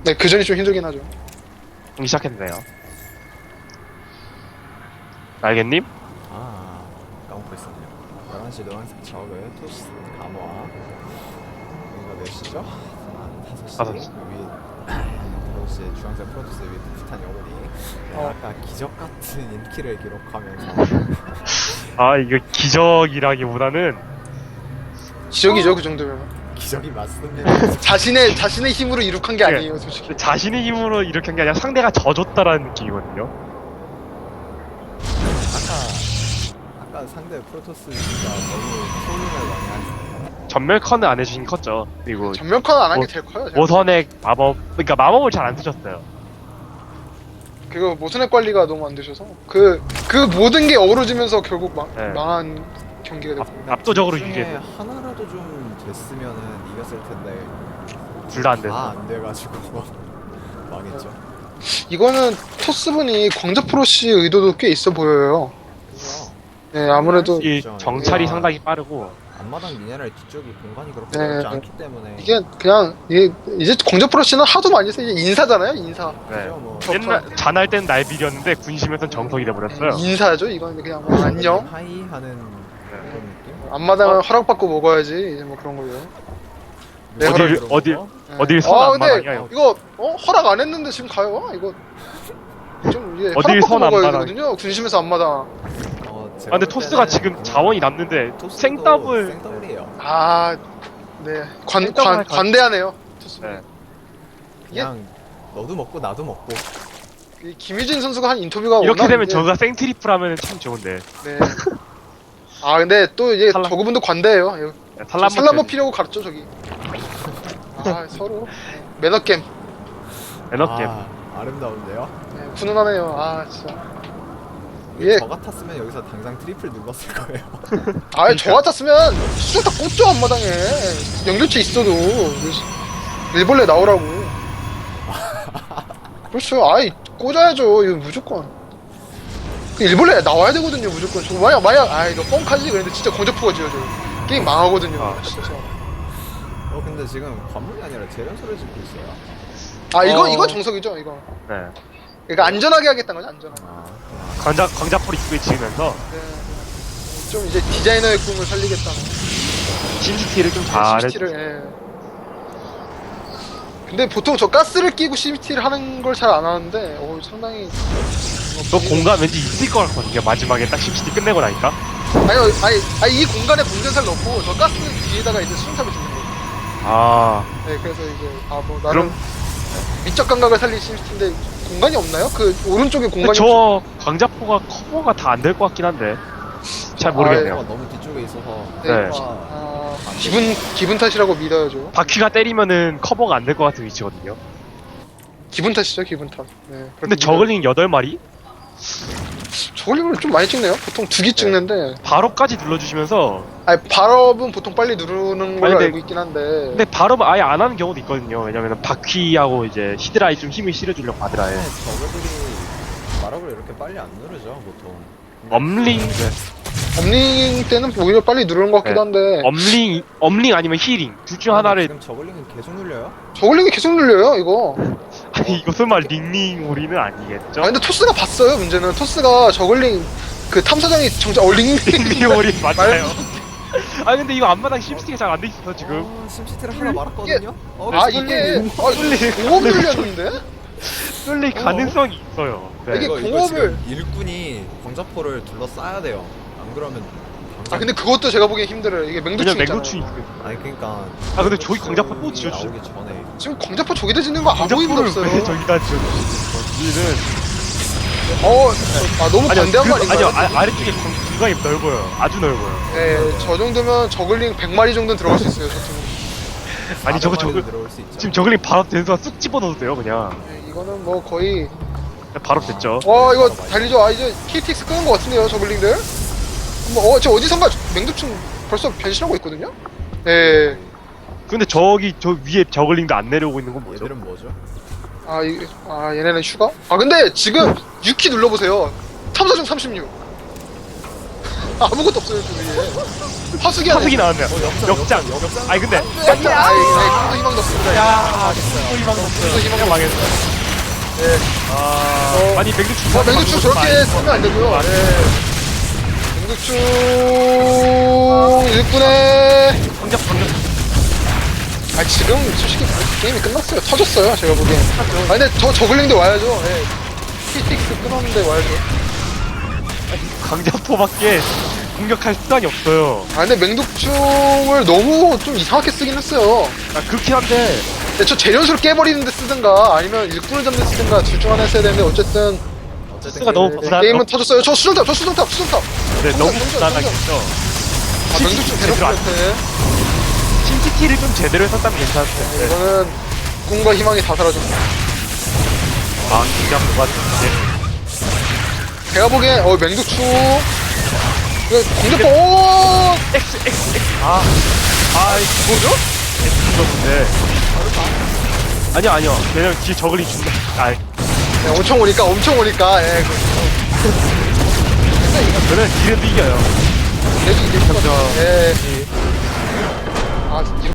네, 그 전이 좀 힘들긴 하죠. 공기 시작했네요. 날개님? 아, 까먹고 있었네요. 11시 노란색 적을 토스 감화. 여기가 몇 시죠? 5시. 5시. 위 5시 주황색 프로토스 위 풋풋한 영혼이 아까 기적 같은 인기를 기록하면서 아, 이거 기적이라기보다는 기적이죠, 그 정도면. 기적이 맞습니다. 자신의 힘으로 이룩한 게 네. 아니에요, 솔직히. 자신의 힘으로 이렇게 한 게 아니라 상대가 져줬다라는 느낌이거든요. 아까 상대 프로토스가 너무 소름을 많이 하셨어요. 전멸컨은 안 해주신 컸죠. 그리고 전면컨 안 한 게 제일 커요. 제가. 모선액 마법, 그러니까 마법을 잘 안 쓰셨어요. 그거 모선의 관리가 너무 안 되셔서 그 모든 게 어우러지면서 결국 네. 망한 경기가 됐습니다. 압도적으로 중에 유리해서 하나라도 좀 됐으면은 이겼을 텐데 둘 다 안 돼서. 다안 돼가지고 망했죠. 이거는 토스분이 광자프로시 의도도 꽤 있어 보여요. 그죠? 네, 아무래도 이 정찰이 야. 상당히 빠르고 앞마당 미네랄 뒤쪽이 공간이 그렇게 네. 넓지 않기 때문에 이게 그냥 이제 광자프로시는 하도 많이 써서 이제 인사잖아요, 인사. 네. 그죠, 뭐 옛날 잔할 땐 날비렸는데 군심에선 정석이 돼버렸어요. 인사죠, 이건 그냥 뭐 안녕. 하이 하는 네. 그런 느낌? 앞마당은 허락받고 먹어야지 이제 뭐 그런 거예요. 네, 어딜 네. 어딜 선 아, 근데 앞마당이야. 이거 허락 안 했는데 지금 가요? 이거 좀 이게 어딜 허락받고 선 먹어야 앞마당. 되거든요. 군심에서 앞마당. 아, 근데 토스가 지금 자원이 남는데 생더블. 생더블이에요. 아, 네. 생각을 관대하네요. 토스. 네. 그냥 너도 먹고 나도 먹고 이 김유진 선수가 한 인터뷰가 이렇게 워낙 되면 이제- 저가 생트리플 하면 참 좋은데. 네. 아, 근데 또 이제 탈락. 저그분도 관대해요. 살라모 살라모 피려고 가르쳐 저기. 아, 서로 매너겜. 에너게임. 아, 아름다운데요? 네, 훈훈하네요. 아, 진짜. 이게 예. 저 같았으면 여기서 당장 트리플 눌렀을 거예요. 아, 저 같았으면 수술 다 꽂죠 앞마당에. 연결체 있어도 일벌레 나오라고. 그렇죠. 아이 꽂아야죠. 이거 무조건. 그 일벌레 나와야 되거든요. 무조건. 저 만약 아 이거 뻥카지 그랬는데 진짜 건조프가 지어져. 게임 망하거든요. 아. 진짜. 근데 지금 관문이 아니라 재련소를 짓고 있어요. 아 어. 이거 정석이죠. 이거. 네. 그러니까 안전하게 하겠다는 거죠. 안전하게. 아, 광자포를 입구에 지으면서 네. 좀 이제 디자이너의 꿈을 살리겠다는. 심시티를 좀 잘해. CCT를. 예. 근데 보통 저 가스를 끼고 CCT를 하는 걸 잘 안 하는데, 상당히. 너 공간 왠지 있을 것 같거든요. 마지막에 딱 심시티 끝내고 나니까. 아니, 이 공간에 공전사를 넣고, 저 가스 뒤에다가 이제 수정탑을 짓는 거예요. 아, 네, 그래서 이제, 뭐, 나름 그럼 미적 감각을 살릴 CCT인데, 공간이 없나요? 그, 오른쪽에 공간이. 저 광자포가 커버가 다 안 될 것 같긴 한데. 잘 모르겠네요. 너무 뒤쪽에 있어서 네. 아, 기분 탓이라고 믿어야죠. 바퀴가 때리면은 커버가 안 될 것 같은 위치거든요. 기분 탓이죠, 기분 탓. 네. 근데 저글링 8마리? 저걸링을 좀 많이 찍네요. 보통 2개 찍는데. 바로까지 눌러주시면서. 아니, 발업은 보통 빨리 누르는 걸로 아니, 근데- 알고 있긴 한데. 근데 바로 아예 안 하는 경우도 있거든요. 왜냐면은 바퀴하고 이제 히드라에 좀 힘을 실어주려고 하드라에. 저거들이 마력을 이렇게 빨리 안 누르죠 보통. 엄링, 업링 때는 오히려 빨리 누르는 것 같기도 한데. 엄링 아니면 힐링. 둘 중 하나를. 지금 저글링은 계속 눌려요? 저글링이 계속 눌려요, 이거. 아니, 이거 설마 링링 우리는 아니겠죠? 아, 근데 토스가 봤어요, 문제는. 토스가 저글링, 그 탐사장이 정작, 링. 링링 우리 맞아요. 아, 근데 이거 앞마당 심시티가 잘 안 돼 있어, 지금. 심시티를 하나 말았거든요? 이게, 공업 눌렸는데? 뚫릴 가능성이 있어요. 네. 이게 이거 공업을- 지금 일꾼이 광자포를 둘러싸야 돼요. 안 그러면 아, 근데 그것도 제가 보기엔 힘들어요. 이게 맹두충 왜냐면 있잖아요. 맹구충이 있어요. 아니 그러니까 아, 근데 저기 광자포 또 지어주죠. 나오기 전에 지금 광자포 저기다 짓는 거 아무 의미도 광자포를 없어요. 왜 저기다 지어주지? 너무 반대한 거 아닌가요? 아니요, 아래쪽에 공간이 넓어요. 아주 넓어요. 네, 저 정도면 저글링 100마리 정도는 들어갈 수 있어요, 저 팀은. 아니, 저거 들어올 수 있죠. 지금 저글링 바로 된수가 쑥 집어넣어도 돼요, 그냥. 네, 이거는 뭐 거의. 바로 됐죠. 이거 달리죠. 이제 KTX 끄는 것 같은데요, 저글링들? 저 어디선가 맹두충 벌써 변신하고 있거든요? 네. 근데 저기, 저 위에 저글링도 안 내려오고 있는 건 뭐죠? 얘들은 뭐죠? 얘네는 휴가? 근데 지금 6키 눌러보세요. 탐사 중 36. 아무것도 없어요 저 위에. 화수기 안에. 화석이 나왔네요. 역장. 아니 근데 맞다. 아이, 꿈도 희망도 없습니다. 야, 또 희망 없어요. 또 희망 그냥 망했어. 예. 아니 맹주충. 맹두충 저렇게 쓰면 안 되고요. 예. 맹두충 일꾼에. 방적. 아 지금 솔직히 게임이 끝났어요. 터졌어요. 제가 보기엔. 아 근데 저 저글링도 와야죠. 예. PTX 끊었는데 와야죠. 강자포밖에 공격할 수단이 없어요. 아 근데 맹독충을 너무 좀 이상하게 쓰긴 했어요. 아, 그렇긴 한데 근데 저 재련수를 깨버리는데 쓰든가 아니면 일꾼을 잡는 데 쓰든가 둘 중 하나 했어야 되는데 어쨌든 스가 너무 부산. 게임은 터졌어요. 저 수정탑. 네, 너무 정전. 부담하겠죠. 아 맹독충 대놓고 제대로 안- 못해. 신티티를 좀 제대로 했었다면 괜찮을 텐데. 이거는 꿈과 희망이 다 사라졌어. 아, 강자포 같은데. 제가 보기엔 맹독충 이거 공격포 오 X. 아, 뭐죠? X인데. 아니요. 왜냐면 뒤에 저글이 죽나. 아, 네, 엄청 오니까 예. 저는 뒤에도 이겨요. 계속 이길 것 같아요. 예. 아